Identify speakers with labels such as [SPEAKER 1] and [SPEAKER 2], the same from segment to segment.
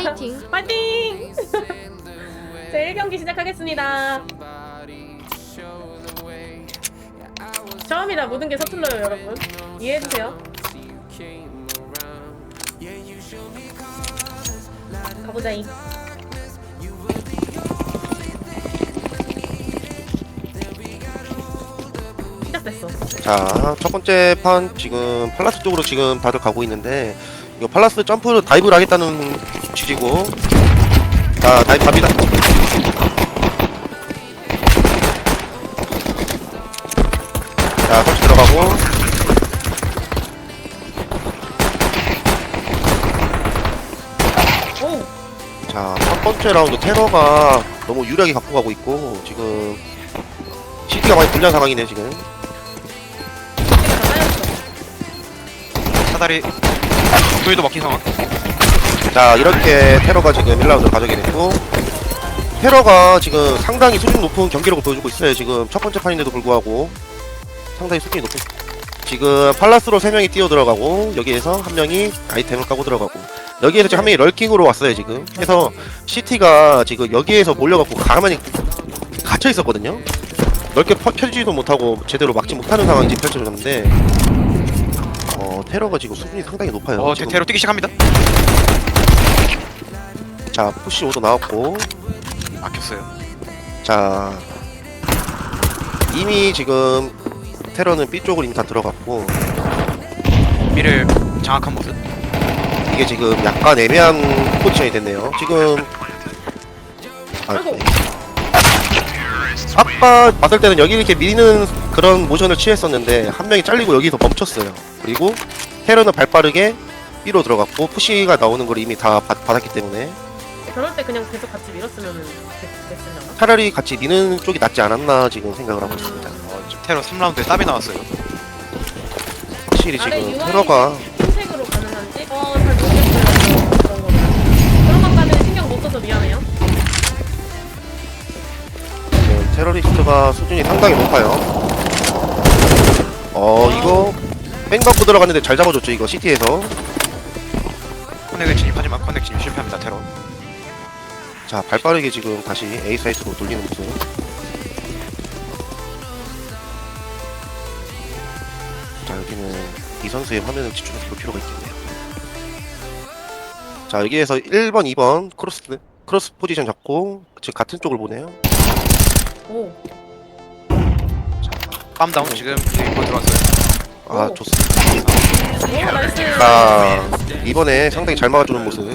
[SPEAKER 1] 파이팅.
[SPEAKER 2] 파이팅! 제 1경기 시작하겠습니다. 처음이라 모든 게 서툴러요, 여러분. 이해해주세요. 가보자잉. 시작됐어.
[SPEAKER 3] 자, 첫 번째 판 지금 팔라스 쪽으로 지금 다들 가고 있는데 이거 팔라스 점프로 다이브를 하겠다는 취지고 자, 다이브 갑니다. 자, 설치 들어가고
[SPEAKER 2] 오!
[SPEAKER 3] 자, 첫 번째 라운드 테러가 너무 유리하게 갖고 가고 있고 지금 CT가 많이 불리한 상황이네 지금.
[SPEAKER 2] 다 쌓였어.
[SPEAKER 4] 사다리 불도 먹힌 상황.
[SPEAKER 3] 자, 이렇게 테러가 지금 1라운드를 가져게 됐고 테러가 지금 상당히 수준 높은 경기력을 보여주고 있어요. 지금 첫 번째 판인데도 불구하고 상당히 수준이 높은. 지금 팔라스로 3명이 뛰어 들어가고 여기에서 한 명이 아이템을 까고 들어가고 여기에서 지금 한 명이 럴킹으로 왔어요 지금. 그래서 CT가 지금 여기에서 몰려갖고 가만히 갇혀 있었거든요. 넓게 펴지지도 못하고 제대로 막지 못하는 상황이 지금 펼쳐졌는데 테러가 지금 수준이 상당히 높아요. 지금.
[SPEAKER 4] 테러 뛰기 시작합니다.
[SPEAKER 3] 자, 푸시 오도 나왔고
[SPEAKER 4] 막혔어요.
[SPEAKER 3] 자, 이미 지금 테러는 B 쪽으로 이미 다 들어갔고
[SPEAKER 4] 미를 장악한 모습.
[SPEAKER 3] 이게 지금 약간 애매한 포지션이 됐네요. 지금
[SPEAKER 2] 아이고.
[SPEAKER 3] 아까 봤을 때는 여기 이렇게 미는 그런 모션을 취했었는데 한 명이 잘리고 여기서 멈췄어요. 그리고 테러는 발빠르게 B로 들어갔고 푸시가 나오는 걸 이미 다 받았기 때문에
[SPEAKER 2] 저럴 때 그냥 계속 같이 밀었으면 됐으려나?
[SPEAKER 3] 차라리 같이 미는 쪽이 낫지 않았나 지금 생각을 하고 있습니다.
[SPEAKER 4] 지금 테러 3라운드에 땀이 나왔어요.
[SPEAKER 3] 확실히
[SPEAKER 2] 아래
[SPEAKER 3] 지금
[SPEAKER 2] UI
[SPEAKER 3] 테러가
[SPEAKER 2] 흰색으로 가능한지? 잘 모르겠어요. 그런 거는. 그런 것까지는 신경 못 써서 미안해요.
[SPEAKER 3] 지금 테러리스트가 수준이 상당히 높아요. 이거 뺑 받고 들어갔는데 잘 잡아줬죠 이거 CT에서.
[SPEAKER 4] 커넥에 진입하지만 커넥 진입 실패합니다. 테러.
[SPEAKER 3] 자, 발빠르게 지금 다시 A 사이트로 돌리는 모습. 자, 여기는 이 선수의 화면을 집중해서 볼 필요가 있겠네요. 자, 여기에서 1번, 2번 크로스 포지션 잡고 즉 같은 쪽을 보네요.
[SPEAKER 2] 오.
[SPEAKER 4] 빰다운 지금 1번 들어왔어요.
[SPEAKER 3] 아,
[SPEAKER 2] 오.
[SPEAKER 3] 좋습니다.
[SPEAKER 2] 오, 나이스.
[SPEAKER 3] 자, 이번에 상당히 잘 막아주는 모습.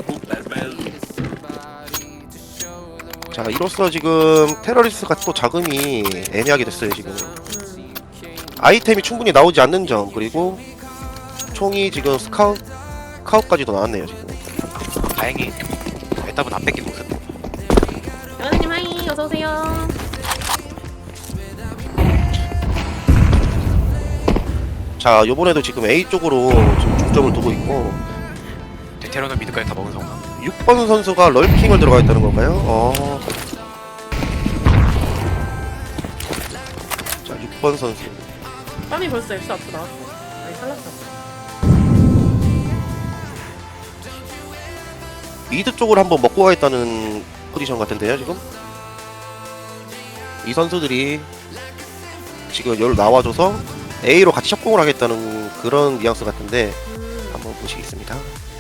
[SPEAKER 3] 자, 이로써 지금 테러리스트가 또 자금이 애매하게 됐어요 지금. 아이템이 충분히 나오지 않는 점, 그리고 총이 지금 스카웃까지도 나왔네요 지금.
[SPEAKER 4] 다행히 에답은 안 뺏긴 모습.
[SPEAKER 2] 연아님 하이, 어서오세요.
[SPEAKER 3] 자, 요번에도 지금 A 쪽으로 지금 중점을 두고 있고
[SPEAKER 4] 테러는 미드까지 다 먹은 상황.
[SPEAKER 3] 6번 선수가 럴킹을 들어가 있다는 건가요? 자, 6번 선수.
[SPEAKER 2] 땀이 벌써 X 앞으로 나왔어. 아니, 살랐어.
[SPEAKER 3] 미드 쪽으로 한번 먹고 가겠다는 포지션 같은데요 지금. 이 선수들이 지금 여기로 나와줘서 A로 같이 협공을 하겠다는 그런 뉘앙스 같은데 한번 보시겠습니다.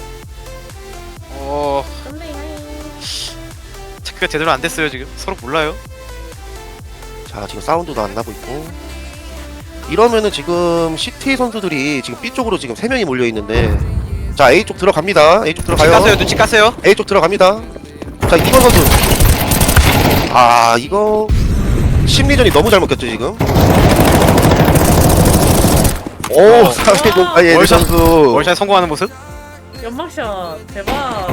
[SPEAKER 2] 썸데이 하이.
[SPEAKER 4] 체크가 제대로 안 됐어요 지금. 서로 몰라요.
[SPEAKER 3] 자, 지금 사운드도 안 나고 있고 이러면은 지금 CT 선수들이 지금 B 쪽으로 지금 3명이 몰려 있는데 자, A 쪽 들어갑니다. A 쪽
[SPEAKER 4] 눈치
[SPEAKER 3] 들어가요.
[SPEAKER 4] 깠어요. 눈치 깠어요.
[SPEAKER 3] A 쪽 들어갑니다. 자, 2번 선수. 아, 이거 심리전이 너무 잘 먹혔죠 지금. 오, 450 아예
[SPEAKER 4] 월샷.
[SPEAKER 3] 선수.
[SPEAKER 4] 월샷 성공하는 모습.
[SPEAKER 2] 연막샷. 대박.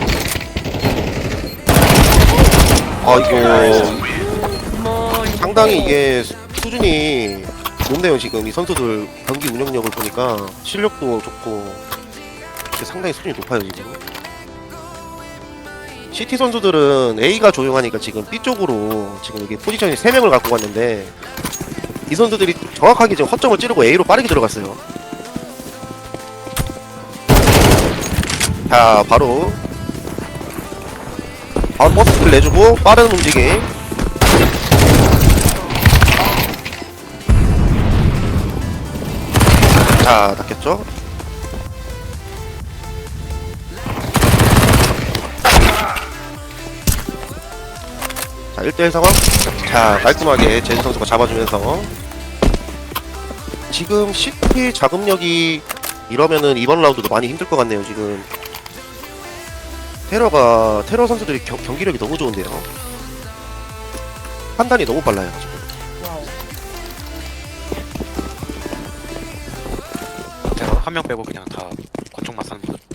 [SPEAKER 3] 아, 이거
[SPEAKER 2] 어머, 이거.
[SPEAKER 3] 상당히 이게 수준이 높네요 지금. 이 선수들 경기 운영력을 보니까 실력도 좋고 상당히 수준이 높아요 지금. CT 선수들은 A가 조용하니까 지금 B 쪽으로 지금 여기 포지션이 3명을 갖고 갔는데 이 선수들이 정확하게 지금 허점을 찌르고 A로 빠르게 들어갔어요. 자, 바로 바로 버스를 내주고 빠른 움직임. 자, 낚였죠? 자, 1대1 상황. 자, 깔끔하게 제주 선수가 잡아주면서 지금 CT 자금력이 이러면은 이번 라운드도 많이 힘들 것 같네요. 지금 테러 선수들이 경기력이 너무 좋은데요. 판단이 너무 빨라요. 지금.
[SPEAKER 2] 와우.
[SPEAKER 4] 제가 한 명 빼고 그냥 다 권총만 쏘는 거.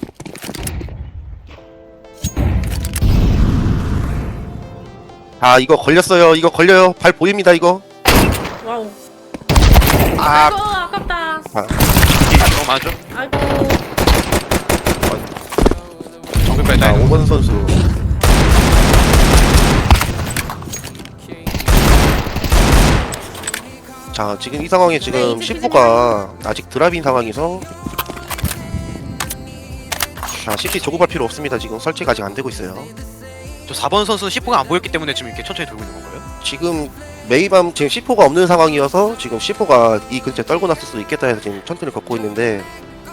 [SPEAKER 3] 아, 이거 걸렸어요. 이거 걸려요. 발 보입니다. 이거.
[SPEAKER 2] 와우.
[SPEAKER 3] 아,
[SPEAKER 2] 아이고 아깝다.
[SPEAKER 4] 이게 너무 많죠?
[SPEAKER 2] 아이고.
[SPEAKER 4] 정글
[SPEAKER 3] 자,
[SPEAKER 4] 빼다.
[SPEAKER 3] 5번 선수. 자, 지금 이 상황에 지금
[SPEAKER 2] 네, 이제
[SPEAKER 3] 10호가 아직 드랍인 상황에서 자, CT 조급할 필요 없습니다. 지금 설치가 아직 안 되고 있어요.
[SPEAKER 4] 저 4번 선수 10호가 안 보였기 때문에 지금 이렇게 천천히 돌고 있는 건가요?
[SPEAKER 3] 지금 메이밤 지금 C4가 없는 상황이어서 지금 C4가 이 근처에 떨고 났을 수도 있겠다 해서 지금 천천히 걷고 있는데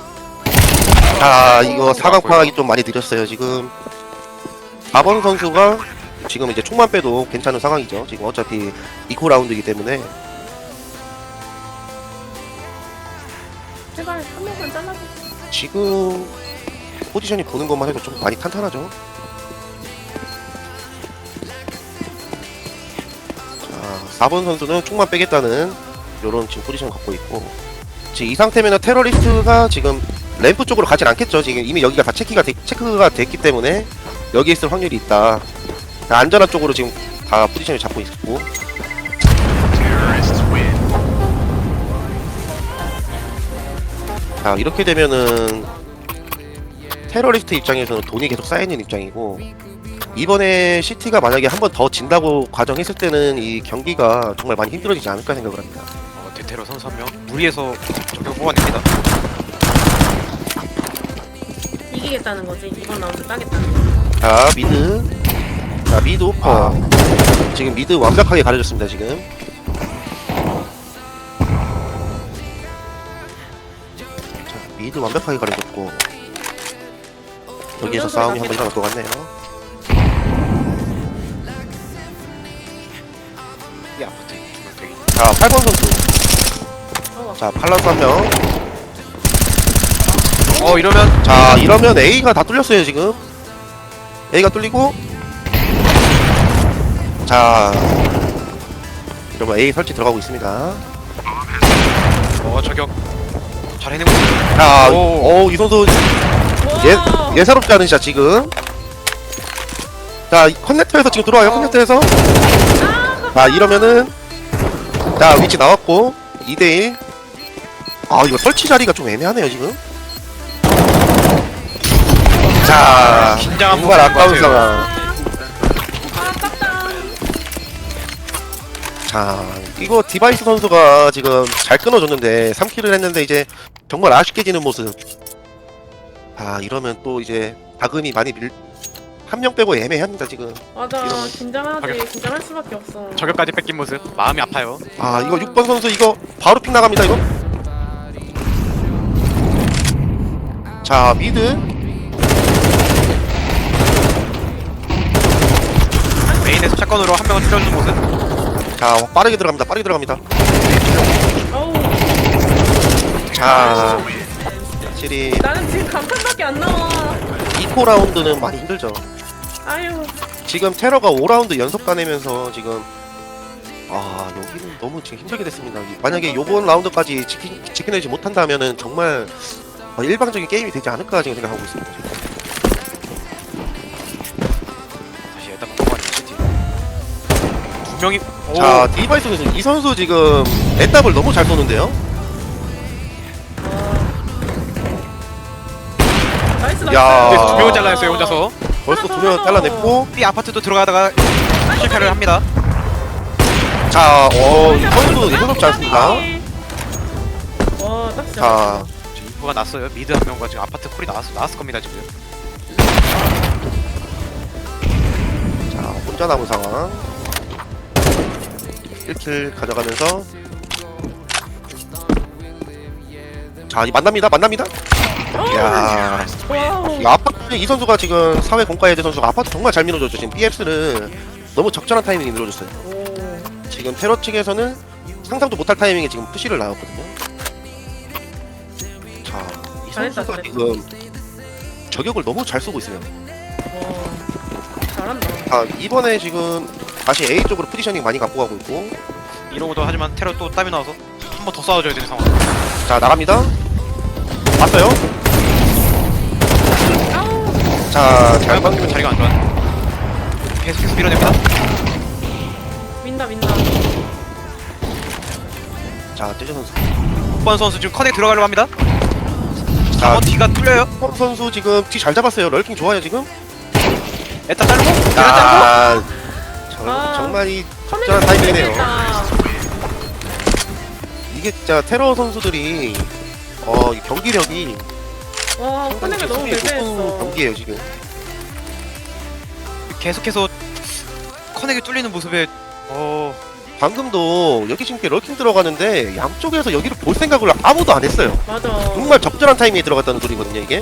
[SPEAKER 3] 자, 이거 사각 파악이 좀 많이 느렸어요. 지금 4번 선수가 지금 이제 총만 빼도 괜찮은 상황이죠. 지금 어차피 2코 라운드이기 때문에
[SPEAKER 2] 제발 한 명만 잘라줘.
[SPEAKER 3] 지금 포지션이 보는 것만 해도 좀 많이 탄탄하죠. 자, 4번 선수는 총만 빼겠다는 요런 지금 포지션 갖고 있고 지금 이 상태면은 테러리스트가 지금 램프 쪽으로 가진 않겠죠. 지금 이미 여기가 다 체크가 됐기 때문에 여기에 있을 확률이 있다. 안전한 쪽으로 지금 다 포지션을 잡고 있고 자, 이렇게 되면은 테러리스트 입장에서는 돈이 계속 쌓이는 입장이고 이번에 CT가 만약에 한 번 더 진다고 가정했을 때는 이 경기가 정말 많이 힘들어지지 않을까 생각을 합니다.
[SPEAKER 4] 대테러 선수 한 명 무리해서 저격 뽑아냅니다.
[SPEAKER 2] 이기겠다는 거지. 이번 라운드 따겠다는 거.
[SPEAKER 3] 자, 미드. 자, 미드 오퍼. 지금 미드 완벽하게 가려졌습니다. 지금. 자, 미드 완벽하게 가려졌고 여기에서 싸움이 한번 일어날 것 같네요.
[SPEAKER 4] 이 아파트 두명 되게.
[SPEAKER 3] 자, 8번 선수.
[SPEAKER 2] 어,
[SPEAKER 3] 자, 팔라스 한 명.
[SPEAKER 4] 이러면
[SPEAKER 3] 자, 이러면 A가 다 뚫렸어요, 지금. A가 뚫리고. 자, 이러면 A 설치 들어가고 있습니다.
[SPEAKER 4] 저격 잘 해내고 있어요.
[SPEAKER 3] 자,
[SPEAKER 4] 오.
[SPEAKER 3] 이 선수
[SPEAKER 2] 와.
[SPEAKER 3] 예사롭지 않은 샷, 지금. 자, 커넥터에서 지금 들어와요, 커넥터에서. 자, 이러면은. 자, 위치 나왔고. 2대1. 아, 이거 설치 자리가 좀 애매하네요, 지금. 자,
[SPEAKER 4] 긴장한
[SPEAKER 3] 정말
[SPEAKER 4] 모습인 것
[SPEAKER 3] 아까운
[SPEAKER 4] 같아요.
[SPEAKER 3] 상황.
[SPEAKER 2] 아깝다.
[SPEAKER 3] 자, 이거 디바이스 선수가 지금 잘 끊어줬는데 3킬을 했는데 이제 정말 아쉽게 지는 모습. 아, 이러면 또 이제 다금이 많이 한 명 빼고 애매합니다 지금.
[SPEAKER 2] 맞아.
[SPEAKER 3] 이러면-
[SPEAKER 2] 긴장하지. 긴장할 수밖에 없어.
[SPEAKER 4] 저격까지 뺏긴 모습 마음이 아파요.
[SPEAKER 3] 아, 이거 6번 선수 이거 바로 픽 나갑니다 이거. 자, 미드.
[SPEAKER 4] 메인에서 샷건으로 한 명을 찔러주는 모습.
[SPEAKER 3] 자, 빠르게 들어갑니다. 빠르게 들어갑니다.
[SPEAKER 2] 어우.
[SPEAKER 3] 자, 확실히
[SPEAKER 2] 나는 지금 간판밖에 안 나와.
[SPEAKER 3] 2코 라운드는 많이 힘들죠.
[SPEAKER 2] 아유.
[SPEAKER 3] 지금 테러가 5라운드 연속 따내면서 지금 여기는 너무 지금 힘들게 됐습니다. 만약에 요번 라운드까지 지켜내지 못한다면은 정말 일방적인 게임이 되지 않을까 지금 생각하고 있습니다. 지금.
[SPEAKER 4] 다시 일단 넘어가는 시티. 두 명이.
[SPEAKER 3] 자, 디바이스 선수 이 선수 지금 애답을 너무 잘 쏘는데요.
[SPEAKER 2] 나이스 나이스.
[SPEAKER 3] 야.
[SPEAKER 4] 그래서 두 명을 잘라냈어요 혼자서.
[SPEAKER 3] 벌써 두 명 잘라냈고,
[SPEAKER 4] B 아파트도 들어가다가 실패를 합니다.
[SPEAKER 3] 자, 이 선수 예사롭지 않습니다.
[SPEAKER 2] 와, 딱 진짜.
[SPEAKER 3] 자,
[SPEAKER 4] 지금 인포가 났어요. 미드 한 명과 지금 아파트 콜이 나왔을 겁니다 지금.
[SPEAKER 3] 혼자 남은 상황. 1킬 가져가면서 자, 이 만납니다. 야,
[SPEAKER 2] 와우.
[SPEAKER 3] 이 아파트 이 선수가 지금 사회 공과예대 선수가 아파트 정말 잘 밀어줬죠. 지금 BX를 너무 적절한 타이밍에 밀어줬어요.
[SPEAKER 2] 오.
[SPEAKER 3] 지금 테러 측에서는 상상도 못할 타이밍에 지금 푸시를 나왔거든요. 자, 이
[SPEAKER 2] 잘했다,
[SPEAKER 3] 선수가
[SPEAKER 2] 잘했다.
[SPEAKER 3] 지금 저격을 너무 잘 쏘고 있어요.
[SPEAKER 2] 와. 잘한다.
[SPEAKER 3] 자, 이번에 지금 다시 A 쪽으로 포지셔닝 많이 갖고 가고 있고,
[SPEAKER 4] 이러고도 하지만 테러 또 땀이 나와서 한 번 더 싸워줘야 되는 상황.
[SPEAKER 3] 자, 나갑니다. 왔어요.
[SPEAKER 2] 아우.
[SPEAKER 3] 자, 잘
[SPEAKER 4] 잘
[SPEAKER 3] 방
[SPEAKER 4] 바뀌면 자리가 안 좋아. 계속해서 밀어냅니다.
[SPEAKER 2] 민다.
[SPEAKER 3] 자, 떼저 선수.
[SPEAKER 4] 6번 선수 지금 커넥 들어가려고 합니다.
[SPEAKER 3] 자,
[SPEAKER 4] 뒤가 뚫려요.
[SPEAKER 3] 펌 선수 지금 뒤 잘 잡았어요. 럴킹 좋아요 지금.
[SPEAKER 4] 에타 자르고 자르고.
[SPEAKER 3] 아,
[SPEAKER 2] 아.
[SPEAKER 3] 정말 이
[SPEAKER 2] 커넥
[SPEAKER 3] 적절한 타이밍이네요.
[SPEAKER 2] 재밌다.
[SPEAKER 3] 이게 진짜 테러 선수들이 이 경기력이
[SPEAKER 2] 와, 커넥을 너무
[SPEAKER 3] 높은
[SPEAKER 2] 배제했어.
[SPEAKER 3] 경기예요 지금.
[SPEAKER 4] 계속해서 커넥이 뚫리는 모습에
[SPEAKER 3] 방금도 여기 지금 럴킹 들어가는데 양쪽에서 여기를 볼 생각을 아무도 안 했어요.
[SPEAKER 2] 맞아.
[SPEAKER 3] 정말 적절한 타이밍에 들어갔다는 소리거든요 이게.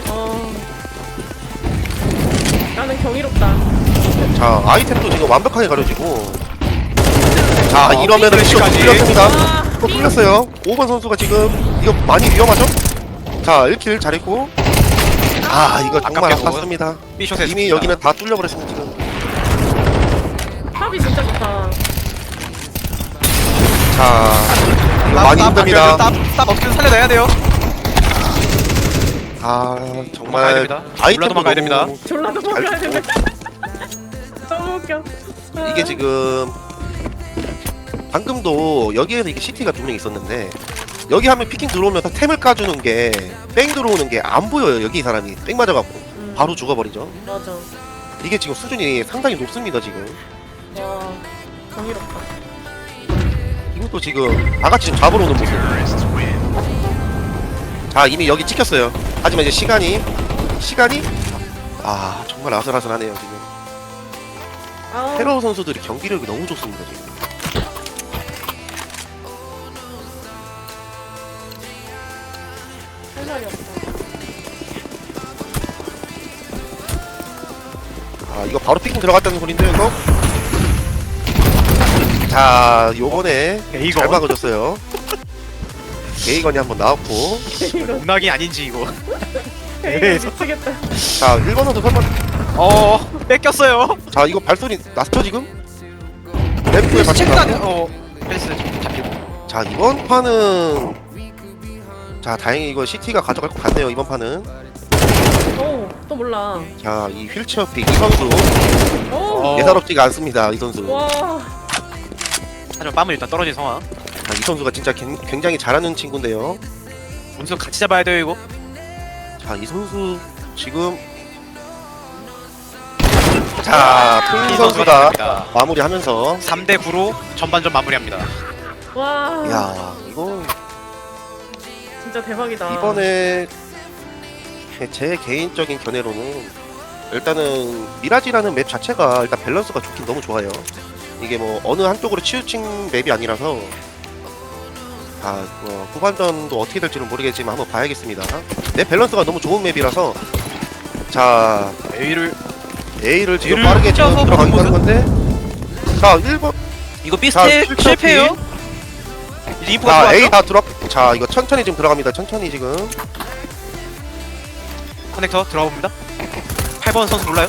[SPEAKER 2] 나는 경이롭다.
[SPEAKER 3] 자, 아이템도 지금 완벽하게 가려지고. 자,
[SPEAKER 4] 어,
[SPEAKER 3] 이러면은 이거
[SPEAKER 4] 삐까지.
[SPEAKER 3] 뚫렸습니다.
[SPEAKER 2] 와,
[SPEAKER 3] 이거 뚫렸어요. 5번 선수가 지금 이거 많이 위험하죠? 자, 1킬 잘했고. 아, 이거 정말
[SPEAKER 4] 아깝게
[SPEAKER 3] 아팠습니다.
[SPEAKER 4] 삐숏에
[SPEAKER 3] 이미 여기는 다 뚫려버렸습니다 지금.
[SPEAKER 2] 탑이 진짜 좋다.
[SPEAKER 3] 자, 이거 많이 힘듭니다.
[SPEAKER 4] 땀 어떻게든 살려내야 돼요.
[SPEAKER 3] 아,
[SPEAKER 4] 도망가야
[SPEAKER 3] 정말
[SPEAKER 4] 됩니다.
[SPEAKER 3] 아이템도
[SPEAKER 4] 도망가야
[SPEAKER 3] 너무
[SPEAKER 4] 됩니다.
[SPEAKER 2] 졸라도 먹어야
[SPEAKER 3] 잘
[SPEAKER 2] 되네. 너무 웃겨.
[SPEAKER 3] 이게 지금 방금도 여기에서 이게 CT가 두 명 있었는데 여기 하면 피킹 들어오면서 템을 까주는 게 뺑 들어오는 게 안 보여요. 여기 이 사람이 뺑 맞아갖고 바로 죽어버리죠.
[SPEAKER 2] 맞아.
[SPEAKER 3] 이게 지금 수준이 상당히 높습니다 지금.
[SPEAKER 2] 와, 경이롭다.
[SPEAKER 3] 이것도 지금 다같이 지금 잡으러 오는 모습. 자, 이미 여기 찍혔어요. 하지만 이제 시간이 정말 아슬아슬하네요 지금.
[SPEAKER 2] 아우.
[SPEAKER 3] 테러 선수들이 경기력이 너무 좋습니다 지금.
[SPEAKER 2] 할 말이 없다.
[SPEAKER 3] 아, 이거 바로 피킹 들어갔다는 소린데요 이거? 자, 요번에
[SPEAKER 4] 이거
[SPEAKER 3] 잘 막아줬어요. 게이건이 한번 나왔고.
[SPEAKER 2] 이거
[SPEAKER 4] 운학이 아닌지 이거.
[SPEAKER 2] 미치겠다.
[SPEAKER 3] 자, 1번 선수 선번.
[SPEAKER 4] 뺏겼어요.
[SPEAKER 3] 자, 이거 발소리 났죠 지금? 램프에
[SPEAKER 4] 체크가
[SPEAKER 3] 받친다.
[SPEAKER 4] 안 돼. 펜스 잡히고.
[SPEAKER 3] 자, 이번 판은 자, 다행히 이거 CT가 가져갈 것 같네요 이번 판은.
[SPEAKER 2] 오, 또 몰라.
[SPEAKER 3] 자, 이 휠체어 픽 이 선수
[SPEAKER 2] 오.
[SPEAKER 3] 예사롭지가 않습니다 이 선수.
[SPEAKER 2] 와.
[SPEAKER 4] 하지만 빰은 일단 떨어진 상황.
[SPEAKER 3] 자, 이 선수가 진짜 굉장히 잘하는 친구인데요.
[SPEAKER 4] 운수 같이 잡아야 돼요 이거.
[SPEAKER 3] 자, 이 선수 지금 자, 플리 선수가 마무리하면서
[SPEAKER 4] 3대 9로 전반전 마무리합니다.
[SPEAKER 2] 와.
[SPEAKER 3] 야, 이거
[SPEAKER 2] 진짜 대박이다.
[SPEAKER 3] 이번에 제 개인적인 견해로는 일단은 미라지라는 맵 자체가 일단 밸런스가 좋긴 너무 좋아요. 이게 뭐 어느 한쪽으로 치우친 맵이 아니라서 후반전도 어떻게 될지는 모르겠지만 한번 봐야겠습니다. 맵 밸런스가 너무 좋은 맵이라서 자, A를 지금
[SPEAKER 4] A를
[SPEAKER 3] 빠르게 지금
[SPEAKER 4] 혼자서
[SPEAKER 3] 들어가긴 하는
[SPEAKER 4] 보는
[SPEAKER 3] 건데 자, 1번
[SPEAKER 4] 이거
[SPEAKER 3] 자,
[SPEAKER 4] 비스트
[SPEAKER 3] 실패
[SPEAKER 4] 실패해요. 리프가
[SPEAKER 3] 자,
[SPEAKER 4] 들어왔죠?
[SPEAKER 3] A 다 들어. 자, 이거 천천히 지금 들어갑니다. 천천히 지금.
[SPEAKER 4] 커넥터 들어가 봅니다. 8번 선수 몰라요?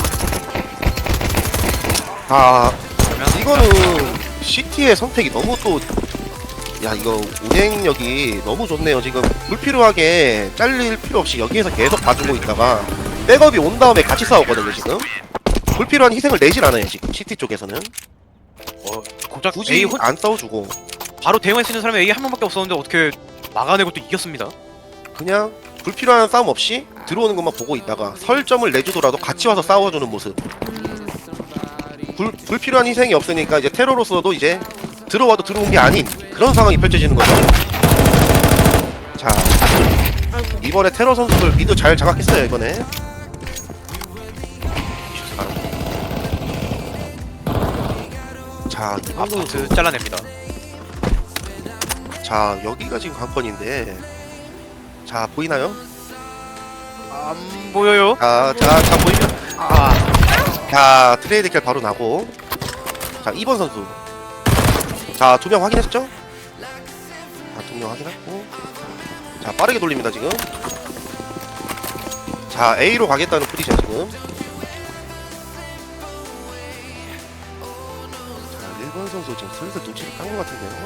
[SPEAKER 3] 아,
[SPEAKER 4] 그러면
[SPEAKER 3] 이거는 CT의 선택이 너무 또, 야, 이거 운행력이 너무 좋네요. 지금 불필요하게 잘릴 필요 없이 여기에서 계속 봐주고 있다가 백업이 온 다음에 같이 싸우거든요, 지금. 불필요한 희생을 내질 않아요, 지금 CT 쪽에서는.
[SPEAKER 4] 고작
[SPEAKER 3] 굳이
[SPEAKER 4] A
[SPEAKER 3] 안 싸워주고
[SPEAKER 4] 바로 대응할 수 있는 사람이 A 한 명밖에 없었는데 어떻게 막아내고 또 이겼습니다.
[SPEAKER 3] 그냥 불필요한 싸움 없이 들어오는 것만 보고 있다가 설점을 내주더라도 같이 와서 싸워주는 모습. 불필요한 희생이 없으니까 이제 테러로서도 이제 들어와도 들어온 게 아닌 그런 상황이 펼쳐지는 거죠. 자,
[SPEAKER 2] 아이고.
[SPEAKER 3] 이번에 테러 선수들 미드 잘 장악했어요 이번에. 자, 이번 선수.
[SPEAKER 4] 아파트 잘라냅니다.
[SPEAKER 3] 자, 여기가 지금 관건인데. 자, 보이나요?
[SPEAKER 4] 안 보여요?
[SPEAKER 3] 자, 보이면.
[SPEAKER 4] 아,
[SPEAKER 3] 자, 트레이드 킬 바로 나고. 자, 2번 선수. 자, 2명 확인했죠? 자, 2명 확인했고. 자, 빠르게 돌립니다, 지금. 자, A로 가겠다는 프리죠, 지금. 자, 1번 선수 지금 슬슬 눈치를 깐 것 같은데요.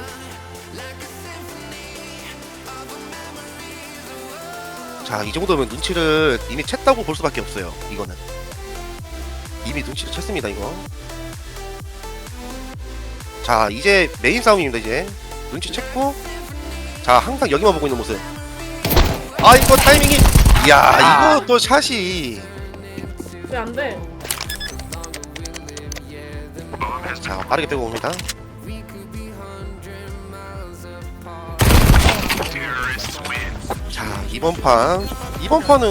[SPEAKER 3] 자, 이 정도면 눈치를 이미 챘다고 볼 수밖에 없어요, 이거는. 이미 눈치를 챘습니다, 이거. 자, 이제 메인 싸움입니다, 이제. 눈치 챘고. 자, 항상 여기만 보고 있는 모습. 아, 이거 타이밍이. 이야, 이거 또 샷이.
[SPEAKER 2] 왜 안 돼?
[SPEAKER 3] 자, 빠르게 빼고 옵니다. 자, 이번 판은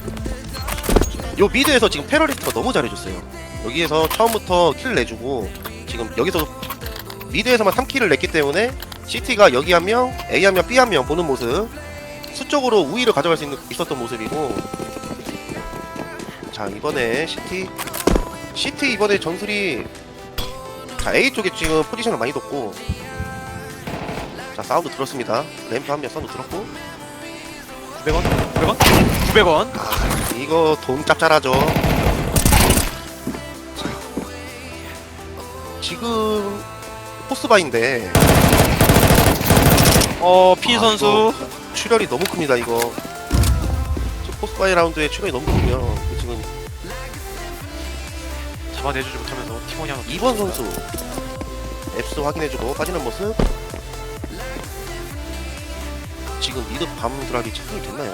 [SPEAKER 3] 요 미드에서 지금 테러리스트가 너무 잘해줬어요. 여기에서 처음부터 킬 내주고 지금 여기서 미드에서만 3킬을 냈기 때문에 CT가 여기 한 명, A 한 명, B 한 명 보는 모습, 수적으로 우위를 가져갈 수 있었던 모습이고. 자, 이번에 CT 이번에 전술이, 자, A 쪽에 지금 포지션을 많이 뒀고. 자, 사운드 들었습니다. 램프 한 명 사운드 들었고.
[SPEAKER 4] 900원? 900원? 900원?
[SPEAKER 3] 아, 이거 돈 짭짤하죠. 자, 지금 포스바인데.
[SPEAKER 4] 피 선수.
[SPEAKER 3] 이거 출혈이 너무 큽니다, 이거. 지금 포스바이 라운드에 출혈이 너무 크고요. 지금
[SPEAKER 4] 잡아내주지 못하면서 팀원이 하나
[SPEAKER 3] 2번 선수 앱스 확인해주고 빠지는 모습. 지금 미드 밤 드랍이 착용이 됐나요?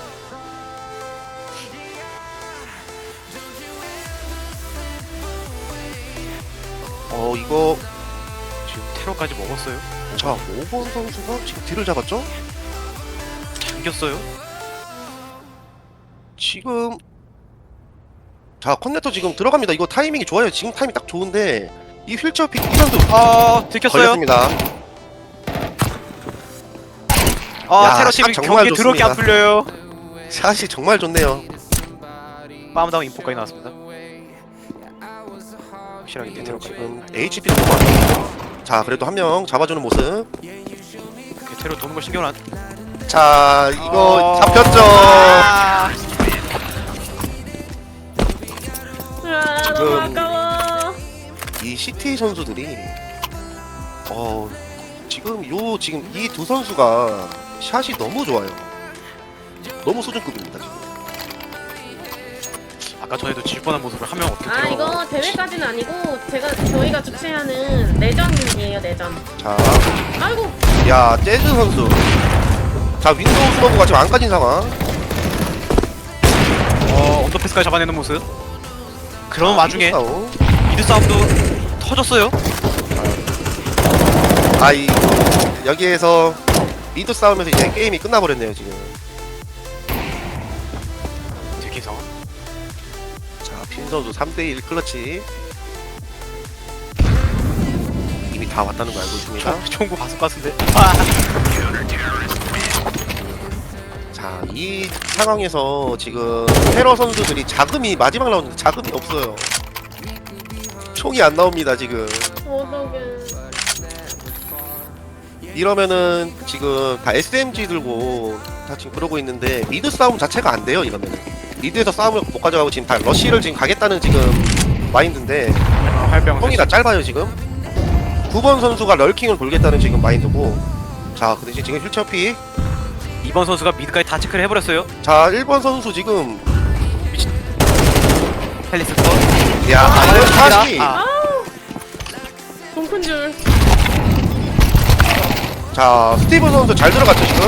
[SPEAKER 3] 이거
[SPEAKER 4] 지금 테러까지 먹었어요.
[SPEAKER 3] 자, 5번 선수가 지금 뒤를 잡았죠?
[SPEAKER 4] 당겼어요.
[SPEAKER 3] 지금 자, 커넥터 지금 들어갑니다. 이거 타이밍이 좋아요. 지금 타이밍 딱 좋은데 이 휠체어 픽 이 선수
[SPEAKER 4] 들켰어요.
[SPEAKER 3] 걸렸습니다. 야,
[SPEAKER 4] 테러 팀이
[SPEAKER 3] 샷 정말
[SPEAKER 4] 경기 더럽게 안
[SPEAKER 3] 좋습니다.
[SPEAKER 4] 풀려요.
[SPEAKER 3] 샷이 정말 좋네요.
[SPEAKER 4] 빠음다운 인포까지 나왔습니다. 확실하게 테러까지.
[SPEAKER 3] 지금 HP도 뽑았고. 자, 그래도 한 명 잡아주는 모습.
[SPEAKER 4] 테러 도는 걸 신경 안.
[SPEAKER 3] 자, 이거 잡혔죠.
[SPEAKER 2] 아, 너무 아까워.
[SPEAKER 3] 이 CT 선수들이 지금 이 두 선수가 샷이 너무 좋아요. 너무 수준급입니다, 지금.
[SPEAKER 4] 아까 전에도 질 뻔한 모습을 한 명 어떻게
[SPEAKER 2] 아, 이거 대회까지는 아니고 저희가 주최하는 내전이에요, 내전.
[SPEAKER 3] 자,
[SPEAKER 2] 아이고.
[SPEAKER 3] 야, 재즈 선수. 자, 윈도우 스머그가 지금 안 까진 상황.
[SPEAKER 4] 언더패스까지 잡아내는 모습. 그런 와중에
[SPEAKER 3] 싸움.
[SPEAKER 4] 미드 싸움도 터졌어요.
[SPEAKER 3] 여기에서 미드 싸움에서 이제 게임이 끝나버렸네요, 지금.
[SPEAKER 4] 되게 상황.
[SPEAKER 3] 자, 핀 선수 3대1 클러치. 이미 다 왔다는 거 알고 있습니다.
[SPEAKER 4] 총구 바속 같은데.
[SPEAKER 3] 자, 이 상황에서 지금 테러 선수들이 마지막 라운드 자금이 없어요. 총이 안 나옵니다, 지금.
[SPEAKER 2] 어떡해.
[SPEAKER 3] 이러면은 지금 다 SMG 들고 다 지금 그러고 있는데 미드 싸움 자체가 안 돼요, 이러면은. 미드에서 싸움을 못 가져가고 지금 다 러쉬를 지금 가겠다는 지금 마인드인데
[SPEAKER 4] 활병.
[SPEAKER 3] 형이 다 짧아요, 지금. 9번 선수가 럴킹을 돌겠다는 지금 마인드고. 자, 그 대신 지금 휠체어 픽.
[SPEAKER 4] 2번 선수가 미드까지 다 체크를 해버렸어요.
[SPEAKER 3] 자, 1번 선수 지금.
[SPEAKER 4] 헬리스 컷.
[SPEAKER 3] 야, 이거 샷이.
[SPEAKER 2] 돈 큰 줄.
[SPEAKER 3] 자, 스티븐 선수 잘 들어갔죠, 지금.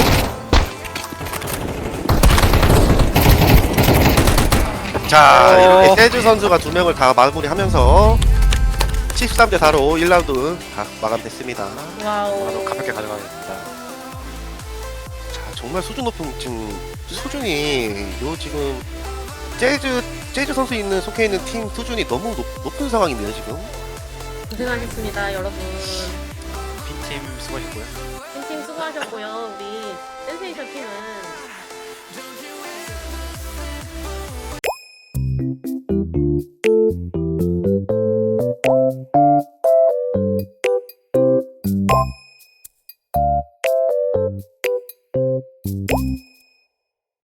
[SPEAKER 3] 자, 이렇게 세즈 선수가 2명을 다 마무리하면서 13대 4로 1라운드 다 마감됐습니다.
[SPEAKER 2] 와우.
[SPEAKER 4] 가볍게 가져가겠습니다.
[SPEAKER 3] 자, 정말 수준 높은 지금 수준이 지금 재즈 선수 속해 있는 팀 수준이 너무 높은 상황이네요, 지금.
[SPEAKER 2] 고생하셨습니다, 여러분.
[SPEAKER 4] 빈팀 수고하셨고요.
[SPEAKER 2] 팀 수고하셨고요. 우리 센세이션 팀은